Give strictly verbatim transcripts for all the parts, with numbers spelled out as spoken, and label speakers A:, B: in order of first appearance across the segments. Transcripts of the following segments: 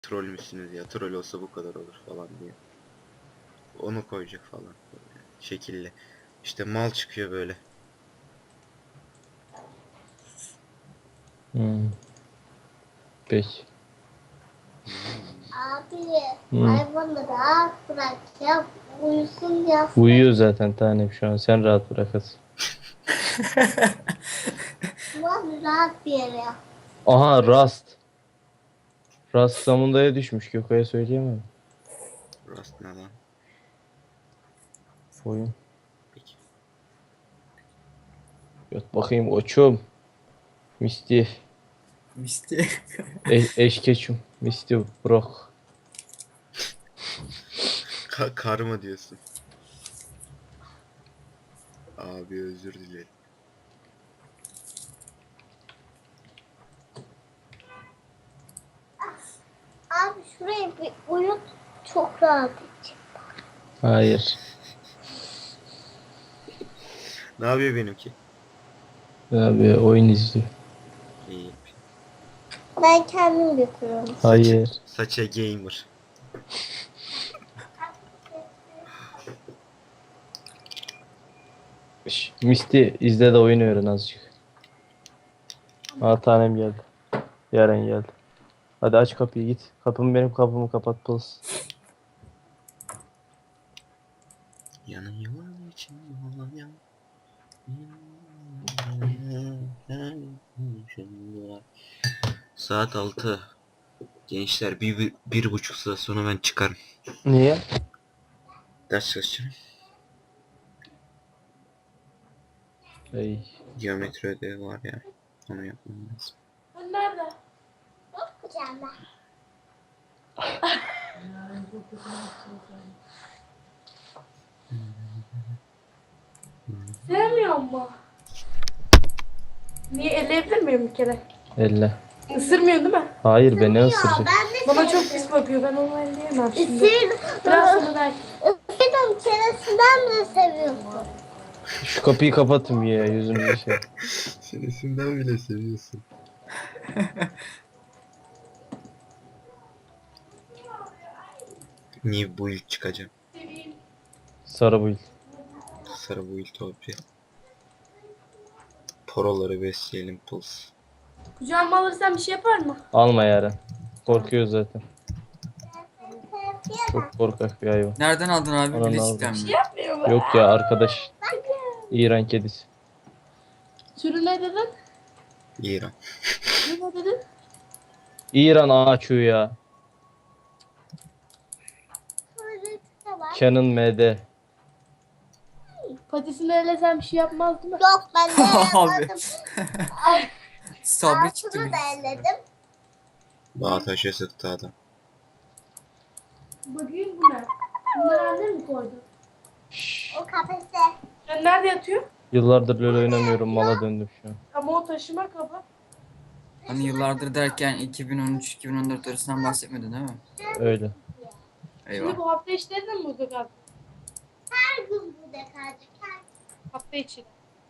A: Troll müsünüz ya? Troll olsa bu kadar olur falan diye. Onu koyacak falan. Böyle şekilli. İşte mal çıkıyor böyle.
B: Hmm. Peki.
C: Abi,
B: Hı.
C: hayvanı rahat bırak ya. Uyusun ya.
B: Uyuyor zaten tanem şu an. Sen rahat bırakasın.
C: Ulan rahat bir yere yap.
B: Aha Rust. Rust Zamunda'ya düşmüş. Gökay'a söyleyemem.
A: Rust ne lan?
B: Oyun.
A: Peki.
B: Göt bakayım koçum. Misty.
D: Misti.
B: E eşkeçim. Misty Brock.
A: Ka kar mı diyorsun? Abi özür dilerim.
C: Abi şurayı bir uyut. Çok rahat edecek.
B: Hayır.
A: Ne yapıyor benimki?
B: Abi oyun izliyor.
A: İyi.
C: Ben kendim götürüyorum.
B: Hayır.
A: Saça gamer.
B: Şş, Misty izle de oyun öğren azıcık. Aa tanem geldi. Yaren geldi. Hadi aç kapıyı git. Kapımı benim kapımı kapat pıls.
A: Yanıyor için yan. Saat altı. Gençler bir, bir, bir buçuk saat sonra ben çıkarım.
B: Niye?
A: Ders çalışacağım.
B: Ey.
A: Geometri ödevi var ya. Onu yapmam lazım.
C: Nerede? Yok kucağımda.
E: Sevmiyor mu? Niye elleyebilir miyim bir kere?
B: Elle.
E: Isırmıyor değil mi?
B: Hayır be ne
C: Ya
B: ısıracak?
C: ben de
E: Bana çok pis bakıyor. Ben onu elleyemem şimdi.
C: Isırdım.
E: Biraz sonra belki.
C: Isırdım. Çenesinden de seviyorsun.
B: Şu kapıyı kapatın ya yüzünüzü şey.
A: Senesinden bile seviyorsun. New build çıkacağım.
B: Sarı build.
A: Sarı build topi. Poroları besleyelim puls.
E: Kucağıma alırsan bir şey yapar mı?
B: Alma Yaren. Korkuyor zaten. Çok korkak bir hayvan.
D: Nereden aldın abi?
B: Ananı
D: Bileşikten mi?
E: Yapmıyor mu?
B: Yok ya arkadaş. İran kedisi.
E: Sürü ne dedin?
A: İran.
E: Sürü ne dedin?
B: İran ağaçıyor ya. Canon M D.
E: Patisini ellesen bir şey yapmaz değil mi?
C: Yok ben de
D: Abi.
C: yapmadım.
D: Sabri çıktı
C: Altını
D: bir.
C: da elledim.
A: Dağ taşı sıktı adam.
E: Bakayım bu ne? Bunları annem mi koydu?
B: Şşş.
C: O kafeste.
E: Sen nerede yatıyor?
B: Yıllardır LoL oynamıyorum. Mala döndüm şu an.
E: Ama o taşıma kabı.
D: Hani yıllardır derken iki bin on üç iki bin on dört arasından bahsetmedin değil mi?
B: Öyle.
E: Şimdi
D: Eyvah.
E: bu hafta içlerinde mi burada kaldın?
C: Her gün burada kalacak. Her
E: Hafta içi de.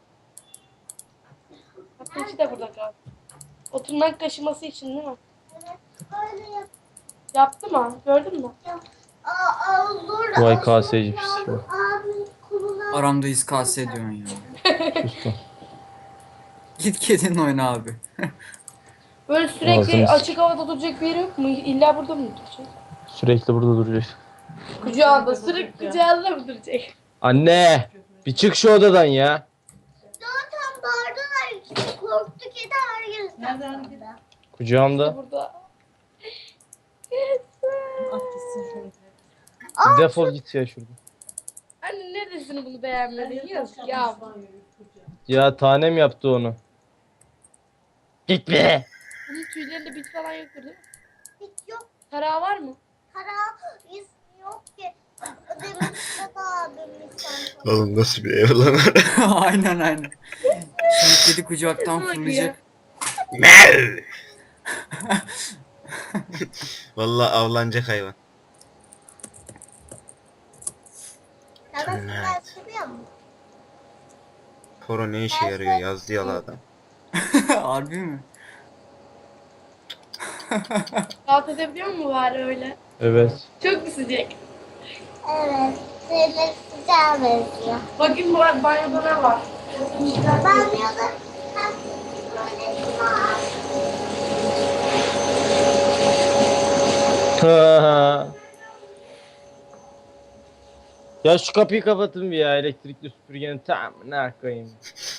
E: Hafta içi de burada kaldı. O tırnak kaşıması için değil mi?
C: öyle yap.
E: Yaptı mı? Gördün mü?
C: Aa, aa, olur.
B: Vay kaseci pis.
C: Abi kuluna.
D: Aramdayız kase ediyorsun ya.
B: Sustum.
D: Git kedin oyna abi.
E: Böyle sürekli
B: Ağzını
E: açık havada duracak bir yeri yok mu? İlla burada mı duracak?
B: Sürekli burada duracağız.
E: Kucağında, sürekli kucağında mı duracak?
B: Anne! Bir çık şu odadan ya.
C: Zaten bağırdılar. İşte korktu kedi her gün. Nereden?
B: Kucağımda.
E: Burada.
B: Defol git ya şuradan.
E: Anne neresini bunu beğenmedin? Yazık ya.
B: Ya tanem yaptı onu. Git be.
E: Bunun tüylerinde bit falan yoktur değil mi?
C: Hiç yok.
E: Tarağı var mı?
C: Kara iz yok ki. Demin Mustafa abimiz sen.
A: Oğlum nasıl bir ev lan?
D: Aynen aynen. Şimdi kedi kucaktan fırlayacak.
A: Vallahi avlanacak hayvan.
C: Ya ben
A: Evet.
C: ben seviyor musun?
A: Poro ne işe yarıyor yazdı yalı adam.
D: Harbi mi?
E: Rahat edebiliyor mu bari öyle?
B: Evet.
E: Çok mu sıcak?
C: Evet. Seni sıcağa benziyor.
E: Bakayım bu banyoda ne var?
C: Banyoda hem tuvaleti var.
B: Ya şu kapıyı kapatın bir ya, elektrikli süpürgenin tam ne koyayım.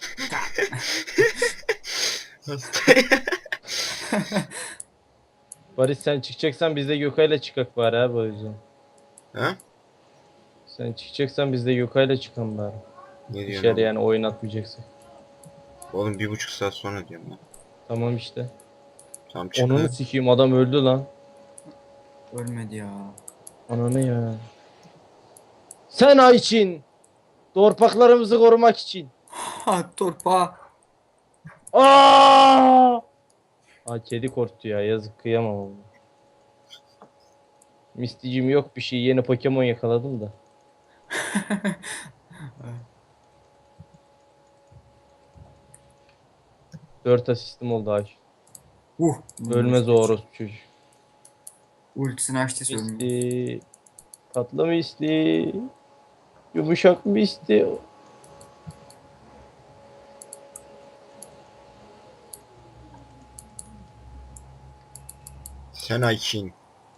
B: Barış sen çıkacaksan biz de Gökay'la çıkak bari abi, o yüzden.
A: Ha?
B: Sen çıkacaksan biz de Gökay'la çıkalım bari.
A: Ne diyorsun
B: Dışarı
A: oğlum?
B: yani oyun atmayacaksın.
A: Oğlum bir buçuk saat sonra diyorum lan.
B: Tamam işte.
A: Tamam çıkın.
B: Onunu sikeyim, adam öldü lan.
D: Ölmedi ya.
B: Ananı ya. Sen Ayçin. Torpaklarımızı korumak için.
D: Ha torpa.
B: Aa! Aa, kedi korktu ya, yazık, kıyamam onu. Misticim yok bir şey, yeni Pokemon yakaladım da. Dört asistim oldu Ayç.
D: Uh.
B: Ölmez o orospu çocuk.
D: Ultisini açtı söylüyor.
B: Misty. Tatlı Misty. Yumuşak Misty.
A: Sen Aykin.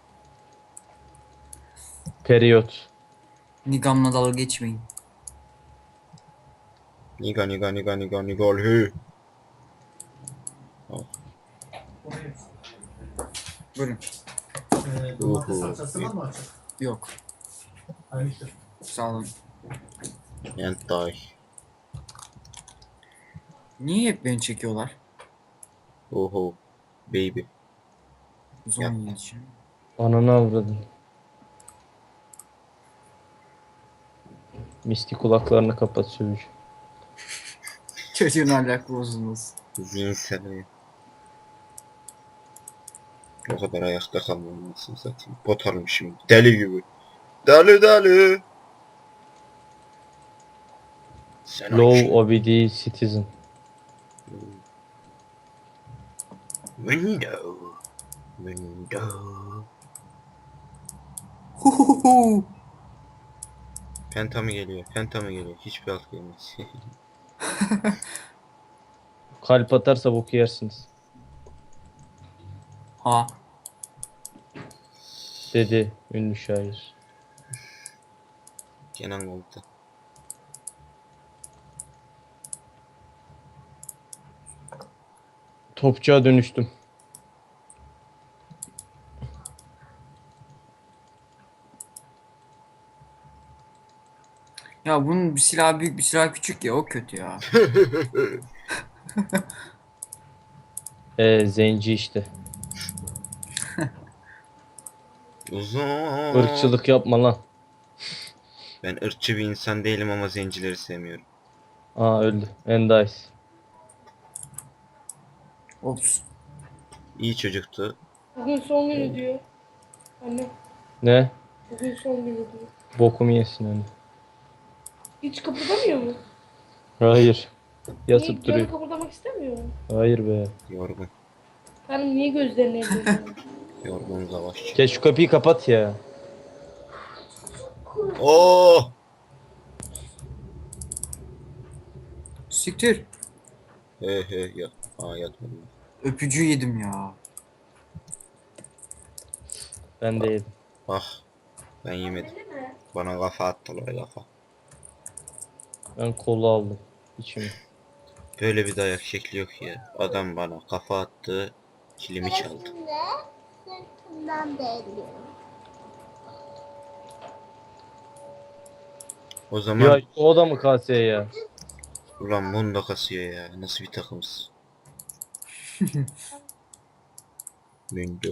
B: Periyot.
D: Nigam'la dalga geçmeyin.
A: Niga niga niga niga niga hü.
D: Buyurun.
F: Ee, domates
A: Uhu.
F: salçası var mı açık?
D: Yok.
F: Hayır.
D: Sağ olun.
A: Hentai.
D: Niye hep beni çekiyorlar?
A: Oho. Baby.
D: Zon için.
B: Ananı avradın. Misty kulaklarını kapat sövüş.
D: Çocuğun ahlak bozulması.
A: Zihinsel. O kadar ayakta kalmamalısın zaten. Pot almışım. Deli gibi. Deli deli. Sen
B: Low
A: Aykin.
B: O B D Citizen.
A: Window. Window.
D: Huhuhu.
A: Penta mı geliyor? Penta mı geliyor? Hiçbir alt gelmez.
B: Kalp atarsa boku yersiniz.
D: Ha.
B: Dedi ünlü şair.
A: Kenan Komutan.
B: Topçuğa dönüştüm.
D: Ya bunun bir silah büyük bir silah küçük ya, o kötü ya.
B: Ee, zenci işte.
A: Uzun.
B: Irkçılık yapma lan.
A: Ben ırkçı bir insan değilim ama zencileri sevmiyorum.
B: Aa, öldü. Endice.
D: Ops.
A: İyi çocuktu.
E: Bugün son günü diyor. Anne
B: Ne?
E: bugün son günü diyor.
B: Bokumu yesin öyle.
E: Hiç kıpırdamıyor mu?
B: Hayır.
E: Niye
B: Yatıp
E: canı
B: duruyor.
E: kıpırdamak istemiyor mu?
B: Hayır be.
A: Yorgun.
E: Hanım niye gözlerini yapıyor?
A: Yorgun savaşçı.
B: Gel şu kapıyı kapat ya.
A: Oo!
D: Siktir.
A: He he ya. Aa yatmadım.
D: Öpücüğü yedim ya.
B: Ben de yedim.
A: Ah. Ben yemedim. Bana kafa attılar kafa.
B: Ben kolu aldım. İçimi.
A: Böyle bir dayak şekli yok ya. Adam bana kafa attı. Kilimi çaldı.
C: Sırasında sırtından değiyor.
A: O zaman
B: Ya o da mı kaseye ya?
A: ulan Mondo kasıyor ya. Nasıl bir takımız? Mondo.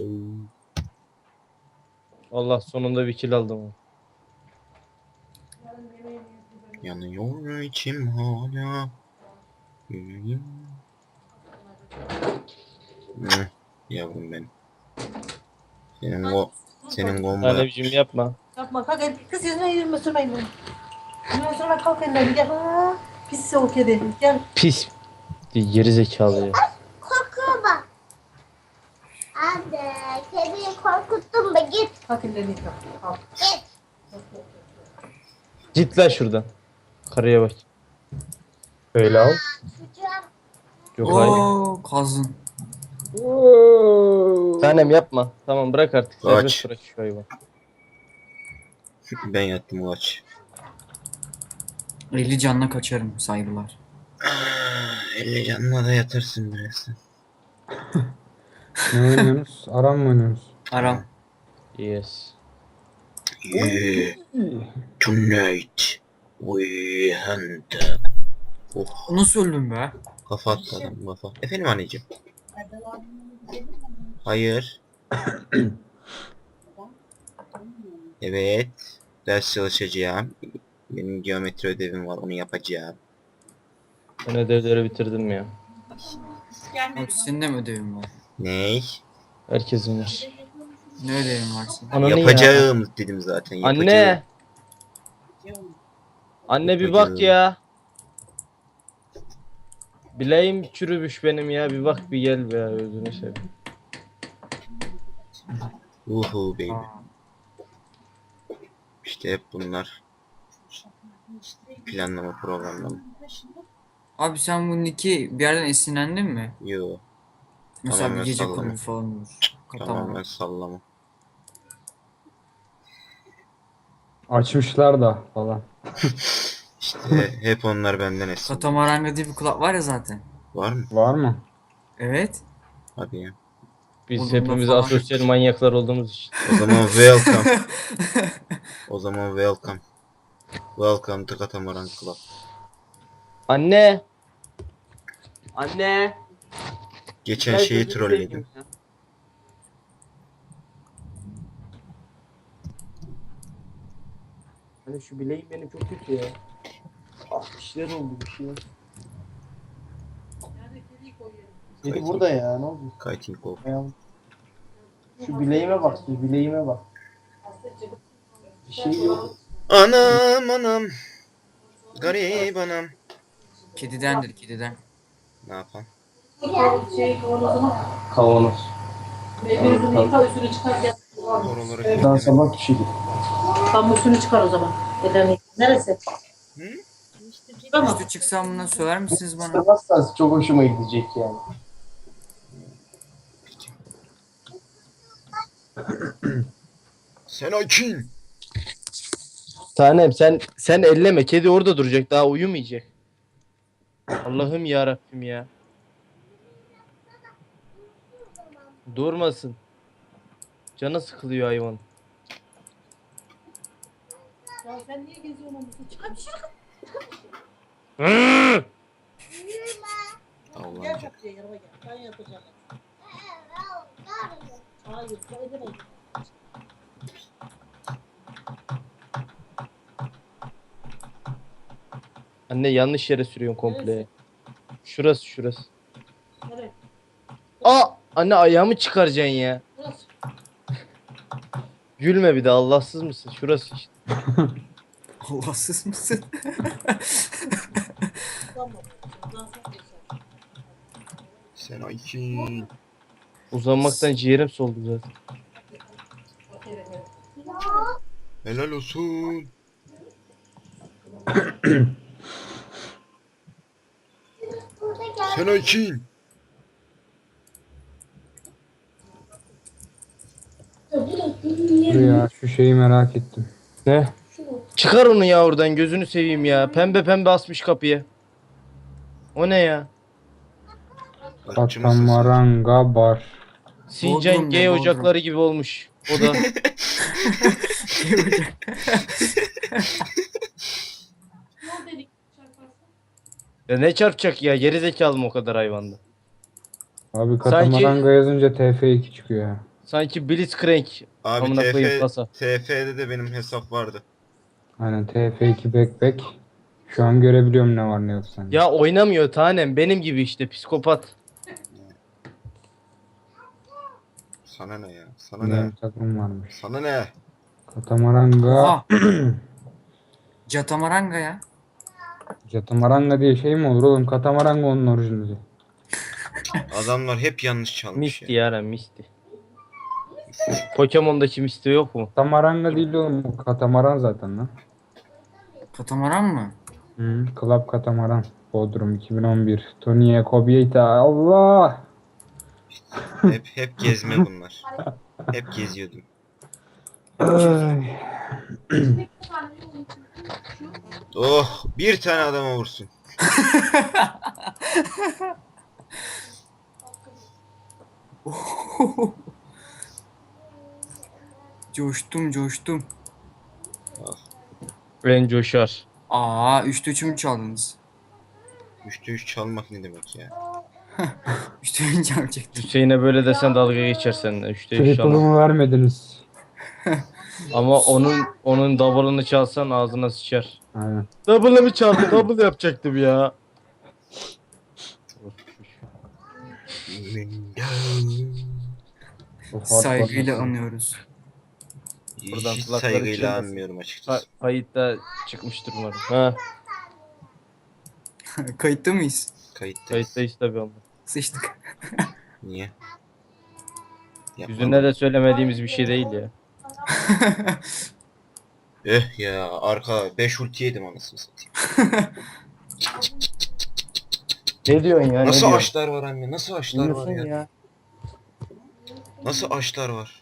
B: Allah, sonunda bir kill aldım.
A: Yanıyor içim hala. Yüreğim. Hı, yavrum benim. Senin o senin gomba
B: Anneciğim yapma.
G: Yapma kalk el. Kız yüzüne yüzüme sürmeyin bunu. Yüzüme sürme kalk ellerini gel. Aa, pis soğuk kedi. Gel.
B: Pis. Geri zekalı ya.
C: Kokuyor bak. Anne.
G: Kalk ellerini yıka. Kalk.
B: Git lan şuradan. Karıya bak.
H: Öyle al.
C: Çocuğum.
B: Yok hayır.
D: Oo kazın.
B: Tanem yapma. Tamam bırak artık.
A: Aç.
B: Serbest bırak şu hayvanı.
A: Ben yattım o aç.
D: elli canla kaçarım saygılar.
A: elli canına da yatırsın birazdan.
H: Ne oynuyorsunuz? Aram mı oynuyorsunuz?
D: Aram.
B: Yes.
A: Yeah. Tonight we hunt. Oh,
D: Nasıl öldün be?
A: kafa attı adam kafa. Efendim anneciğim. Hayır. Evet. Ders çalışacağım. Benim geometri ödevim var, onu yapacağım.
B: Ben ödevleri bitirdim ya.
D: Abi senin de mi ödevin var?
A: Ney?
B: Herkesin var.
D: Ne ödevin var senin?
B: Ananı ya.
A: Yapacağım dedim zaten. Yapacağım.
B: Anne. Anne bir bak ya. Bileğim çürümüş benim ya. Bir bak bir gel be ya. Özünü seveyim.
A: Uhu baby.
D: Aa,
A: İşte hep bunlar. Planlama programlama.
D: Abi sen bu nick'i bir yerden esinlendin mi?
A: Yo.
D: Mesela
A: Tamamen
D: bir gece
A: sallama.
D: kulübü falan olur.
A: Tamamen
D: Katamaran.
A: sallama.
H: Açmışlar da falan.
A: İşte hep onlar benden esin.
D: Katamaranga diye bir kulüp var ya zaten.
A: Var mı?
H: Var mı?
D: Evet.
A: Hadi ya.
B: Biz
D: Burnunda
B: hepimiz
D: falan.
B: asosyal manyaklar olduğumuz için.
A: O zaman welcome. O zaman welcome. Welcome to Katamaran Club.
B: Anne. Anne.
A: Geçen
B: Gel
A: şeyi
B: gözünü
A: trolledim.
B: seveyim ya. Hani şu bileğim benim çok kötü ya. Ah bir şeyler oldu bir şeyler. Kedi burada ya ne oldu?
A: Kiting off.
B: Ayağım. Şu bileğime bak, şu bileğime bak. Bir şey yok.
A: Anam anam. Garip anam.
D: Kedidendir kediden.
A: Ne yapan?
G: Şey kavanozuna.
B: Kavanoz.
G: Birbirini yıka üstünü çıkar gel.
A: Oraları
B: Daha sabah pişirdik.
G: Tam üstünü çıkar o zaman. Ellerini. Neresi?
A: Hı?
G: Tamam.
D: Üstü çıksam bundan söyler misiniz bana?
B: Isırmazsanız çok hoşuma gidecek yani.
A: Sen açın.
B: Tanem sen sen elleme. Kedi orada duracak. Daha uyumayacak. Allah'ım ya Rabbim ya. Durmasın. Canı sıkılıyor hayvan.
G: Ya sen niye geziyorsun onu? Çıkar bir şey.
A: Allah'ım.
G: Gel kapıya yanıma gel. Ben yapacağım. Hayır, edemedim.
B: Anne yanlış yere sürüyorsun komple. Şurası şurası.
G: Nereye?
B: Aa! Anne ayağımı çıkaracaksın ya.
G: Burası.
B: Gülme bir de Allahsız mısın? Şurası işte.
D: Allahsız mısın?
G: Tamam. Buradan sonra geçer.
A: Sen açın.
B: Uzanmaktan ciğerim soldu zaten.
G: Bak, evet, evet.
A: Helal olsun. Sen açın.
H: Dur ya şu şeyi merak ettim.
B: Ne? Çıkar onu ya oradan gözünü seveyim ya. Pembe pembe asmış kapıya. O ne ya?
A: Açı mısın sen?
H: Katamaranga bar.
B: Sincan
D: Bodrum
B: G
D: ne, Bodrum?
B: ocakları gibi olmuş. O da.
G: Ne oldu dedik? Çarparsın.
B: Ya ne çarpacak ya? Geri zekalı mı o kadar hayvanda?
H: Abi Katamaranga yazınca T F iki çıkıyor ya.
B: Sanki Blitzcrank.
A: Abi
B: Amına koyayım
A: T F,
B: kasa.
A: T F'de de benim hesap vardı.
H: Aynen T F iki backpack. Şu an görebiliyorum ne var ne yok sende.
B: Ya oynamıyor tanem. Benim gibi işte psikopat.
A: Sana ne ya? Sana ne?
H: Benim takım varmış.
A: Sana ne?
H: Katamaranga.
D: Oha. Catamaranga ya.
H: Katamaranga diye şey mi olur oğlum? Katamaranga onun orijinali.
A: Adamlar hep yanlış çalmış
B: Misti
A: ya.
B: yara misti. Pokemon'daki Misty yok mu?
H: Katamaranga değil oğlum. Bu katamaran zaten lan.
D: Katamaran mı?
H: Hı, Club Katamaran. Bodrum iki bin on bir. Tony'ye Kobieta. Allah!
A: Hep hep gezme bunlar. Hep geziyordum.
H: Ay.
A: Oh, bir tane adama vursun.
D: Coştum coştum.
A: Ah,
B: Ben coşar.
D: Aa üçte üç mü çaldınız?
A: üçte üç çalmak ne demek ya?
D: üçte üç çalacaktım.
B: Hüseyin'e böyle desen dalga geçer seninle. Üçte üç çalar.
H: Triple'ımı vermediniz.
B: Ama onun onun double'ını çalsan ağzına sıçar.
H: Aynen.
B: Double'ı çaldı? Double yapacaktım ya.
H: Bu hard
D: Saygıyla
H: button.
D: anıyoruz.
B: Buradan
A: Hiç
B: kulakları
A: saygıyla
B: çınlasın.
A: anmıyorum
B: Ha,
A: açıkçası.
B: kayıtta çıkmıştır umarım. Ha,
D: Kayıtta mıyız?
A: Kayıttayız.
B: kayıttayız tabii ama.
D: Sıçtık.
A: Niye? Yapma.
B: Yüzüne de söylemediğimiz bir şey değil ya.
A: Eh ya arka beş ulti yedim anasını satayım.
B: Ne diyorsun ya?
A: Nasıl açlar var anne? Nasıl açlar var ya?
B: ya?
A: Nasıl açlar var?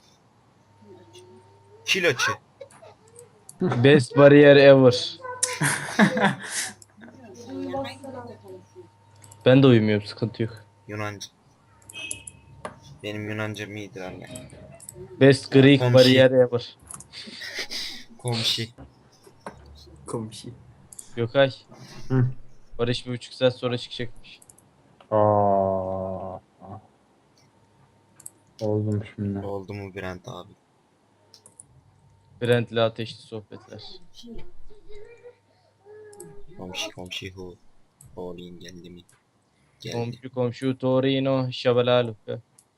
A: Kil açı.
B: Best barrier ever. Ben de uyumuyorum, sıkıntı yok.
A: Yunanca. Benim Yunancam iyidir anne.
B: Best Greek
A: Komşu.
B: barrier ever.
A: Komşu.
D: Komşu.
B: Gökay.
H: Hı.
B: Barış bir buçuk saat sonra çıkacakmış.
H: Aa. Oldum şimdi.
A: Oldu mu Brent abi?
B: Brent'le ateşli sohbetler.
A: Komşu komşu hu. Oğlum geldi mi? Geldi.
B: Komşu komşu Torino Şabalaluka.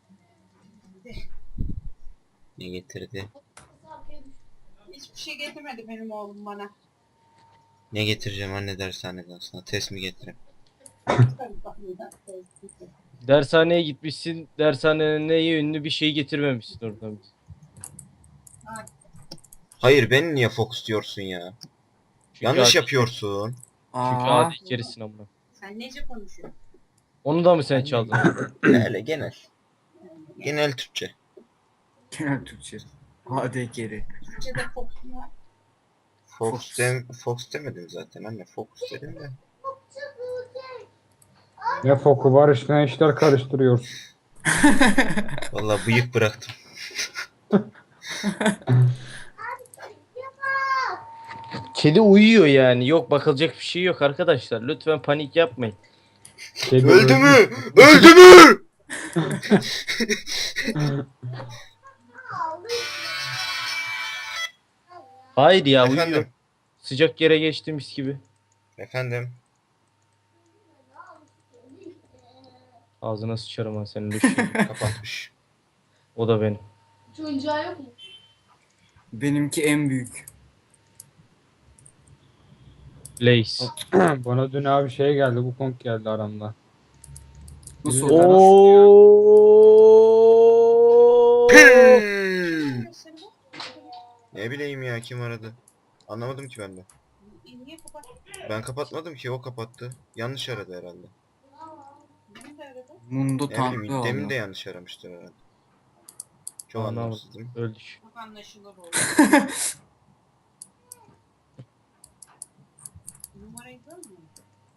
A: Ne getirdi?
I: Hiçbir şey getirmedi benim oğlum bana.
A: Ne getireceğim anne dershaneden sana? Test mi getireyim?
B: Dershaneye gitmişsin. Dershanenin neyi ünlü bir şey getirmemişsin oradan.
A: Hayır beni niye fokus diyorsun ya?
B: Çünkü
A: Yanlış
B: adi-
A: yapıyorsun.
B: Çünkü
D: Aa.
B: adi kerisin amına.
I: Sen nece konuşuyorsun?
B: Onu da mı sen çaldın?
A: Öyle genel. Genel Türkçe.
D: Genel Türkçe. Hadi geri.
I: Türkçe'de kokun var.
A: Fox,
D: Fox.
A: dem Fox demedim zaten anne. Focus dedim de.
H: Ne foku var işte ne işler karıştırıyorsun.
A: Vallahi bıyık bıraktım.
B: Kedi uyuyor yani. Yok bakılacak bir şey yok arkadaşlar. Lütfen panik yapmayın.
H: Kedi
A: Öldü mü? Öldü mü?
B: Hayır ya uyuyor.
A: Efendim.
B: Sıcak yere geçti mis gibi.
A: Efendim.
B: Ağzına sıçarım ha senin düşün.
A: Kapatmış.
B: O da benim.
E: Hiç oyuncağı yok mu?
D: Benimki en büyük.
B: Lace.
H: Bana dün abi şey geldi. Bu konk geldi aramda.
D: Nasıl
H: Oo.
D: oldu?
A: Hmm. Ne bileyim ya kim aradı? Anlamadım ki ben de.
I: Niye kapattın?
A: Ben kapatmadım ki o kapattı. Yanlış aradı herhalde.
I: Beni de aradı.
D: Mundo
A: Ne bileyim
D: tanklı
A: demin
D: oldu.
A: de yanlış aramıştır herhalde. Çok
B: Anlamadım.
A: anlamsızdım.
B: Öldük.
I: Çok anlaşılır oldu. Numarayı görmüyor musun?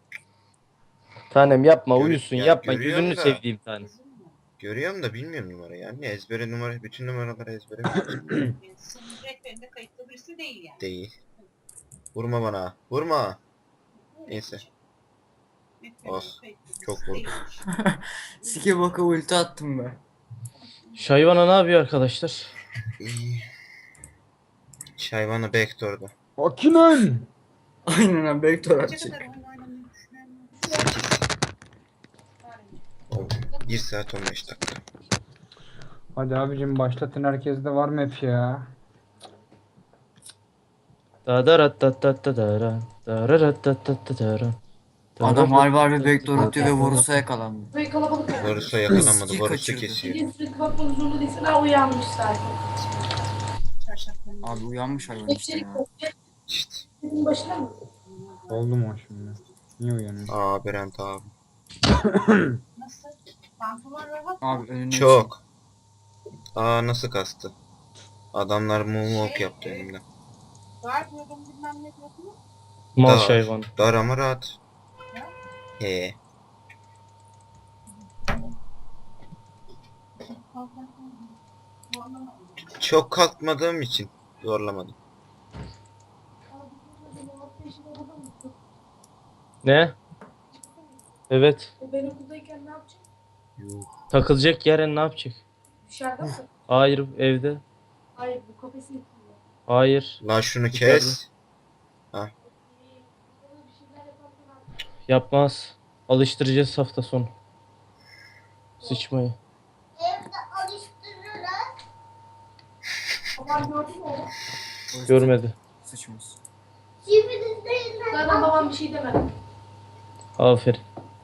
B: Tanem yapma
A: Gör-
B: uyusun
A: ya
B: yapma
A: görüyorum
B: gözünü
A: da.
B: sevdiğim tanem.
I: Kızım mı?
A: Görüyorum da bilmiyorum numarayı anne. Ezbere numara, bütün numaraları ezbere biliyorum.
I: Yani senin rehberinde kayıtlı birisi değil yani.
A: Değil. Vurma bana. Vurma. Neyse.
I: Rehberinde
A: Oh,
I: kayıtlı birisi
A: çok vurdum.
I: değilmiş.
D: Sike baka ulti attım ben.
B: Şayvana ne yapıyor arkadaşlar?
A: İyi. Şayvana backdoor'da.
H: Akinen!
D: Aynen abi Bektor
I: Kaça
D: atacak.
I: kadar oyun oynamayı düşünüyorum.
A: Oh, bir saat on beş dakika.
H: Hadi abicim başlatın herkeste var mı hep ya?
B: Da da rat da da da da ra. Da ra rat da da da da ra.
D: Adam harbi harbi bek doğrultuyor ve Vorus'a yakalandı.
E: Böyle kalabalık oldu.
A: Varus'a yakalanmadı.
D: Skill
A: Varus'u
D: kaçırdı.
A: kesiyor.
E: Bir sürekli bakmak zorunda değilsin. Ha uyanmış zaten.
I: Çarşaflarını.
D: Abi uyanmış hayvan işte
E: Hepsini
D: ya.
E: kopya.
A: İşte.
E: Senin başına mı?
H: Oldu mu o şimdi? Niye uyanıyor?
A: Aa Berent abi.
I: Nasıl? Pantolon rahat.
D: Abi önüne
A: Çok. Aa nasıl kastı? Adamlar moonwalk yaptı önümde.
I: Var diyordum bilmem ne diyordum.
B: Mal
A: Dar.
B: hayvan.
A: Dar ama rahat. He. Çok kalkmadığım için zorlamadım.
B: Ne? Evet.
E: O ben okuldayken ne yapacak?
A: Yuh.
B: Takılacak yeren ne yapacak?
E: Dışarıda mı?
B: Hayır evde.
E: Hayır bu kafesi yapıyor.
B: Hayır.
A: Lan şunu kes.
E: Bir şeyler yaparken
B: Yapmaz. Alıştıracağız hafta sonu. Sıçmayı.
C: Evde alıştırırlar.
E: babam gördü mü onu?
D: çık.
B: Görmedi.
D: Sıçmış.
C: Civilizdeyinden
E: Zaten babam bir şey demedi.
B: Aferin.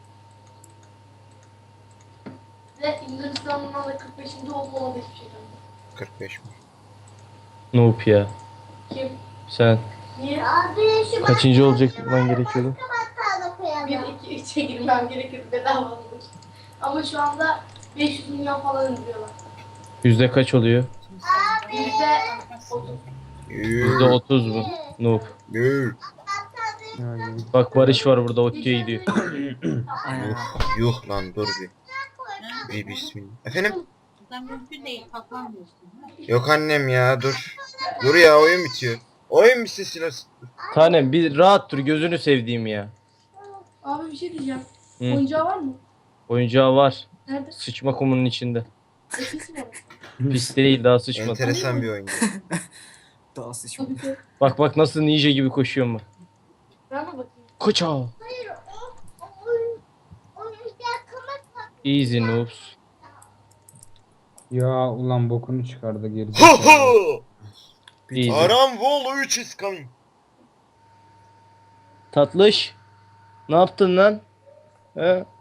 E: Ve Hindistan'ın da kırk beşinci oldu ona da hiçbir şey demedi.
A: kırk beş mi?
B: Noob ya.
E: Kim?
B: Sen
E: Niye?
C: Abi şu
B: kaçıncı olacak man gerekiyordu?
C: bakkala koyalım.
E: Bir, iki, üçe girmem gerekir bedava olur. Ama şu anda beş yüz milyon falan indiriyorlar.
B: Yüzde kaç oluyor?
E: Yüzde otuz.
B: Yüzde
A: Yuh.
B: otuz mu? Noob.
A: Yuh.
H: Yani
B: Bak Barış var burada Ottu'ya gidiyor.
D: Aynen
A: Yuh.
D: abi.
A: Yuh lan dur bir. Bir bismillah. Efendim?
I: Sen mümkün değil. Kalklamıyorsun.
A: Yok annem ya dur. Dur ya oyun bitiyor. Oyun bitsin silersin.
B: Tanem bir rahat dur gözünü sevdiğim ya.
E: Abi bir şey diyeceğim.
B: Hı.
E: Oyuncağı var mı?
B: Oyuncağı var.
E: Nerede?
B: Sıçma kumunun içinde.
E: Eskisi mi?
B: Pis değil daha sıçmadı.
A: Enteresan bir oyun.
D: Daha sıçmış.
E: Tabii ki.
B: Bak bak nasıl ninja gibi koşuyor mu?
E: Ben mi bakayım?
B: Koça.
C: Hayır o, o oyun, oyuncak kamak
B: Easy noobs.
H: ya ulan bokunu çıkardı
A: Ho
H: gerizekalı.
A: ho!
B: Easy.
A: Aram Wall üç is coming.
B: Tatlış. Ne yaptın lan? He?